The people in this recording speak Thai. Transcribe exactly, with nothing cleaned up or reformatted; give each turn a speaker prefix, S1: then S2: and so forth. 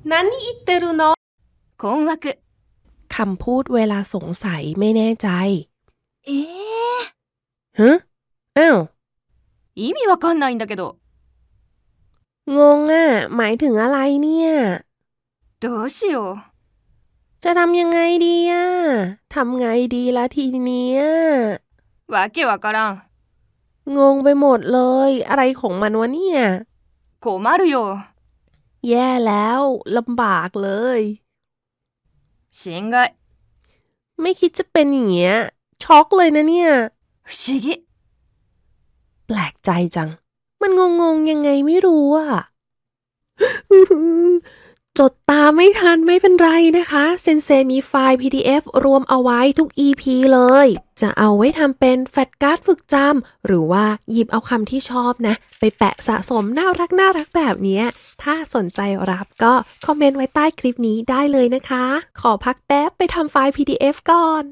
S1: 何言ってるの
S2: 困惑
S1: คำพูดเวลาสงสัยไม่แน่ใจ
S2: えー
S1: ฮะอ้าว
S2: 意味わかんないんだけど
S1: งงอ่ะหมายถึงอะไรเนี่ย
S2: どうしよう
S1: จะทำยังไงดีอ่ะทำไงดีละทีเนี้ย
S2: わけわからん
S1: งงไปหมดเลยอะไรของมันวะเนี่ย
S2: 困るよ
S1: แย่แล้วลำบากเลย
S2: 心外
S1: ไม่คิดจะเป็นอย่างเงี้ยช็อกเลยนะเนี่ย
S2: 不思議
S1: แปลกใจจังมันงงๆยังไงไม่รู้อ่ะ จดตามไม่ทันไม่เป็นไรนะคะเซนเซมีไฟล์ พี ดี เอฟ รวมเอาไว้ทุก อี พี เลยจะเอาไว้ทำเป็นแฟลชการ์ดฝึกจำหรือว่าหยิบเอาคำที่ชอบนะไปแปะสะสมน่ารักน่ารักแบบนี้ถ้าสนใจรับก็คอมเมนต์ไว้ใต้คลิปนี้ได้เลยนะคะขอพักแป๊บไปทำไฟล์ พี ดี เอฟ ก่อน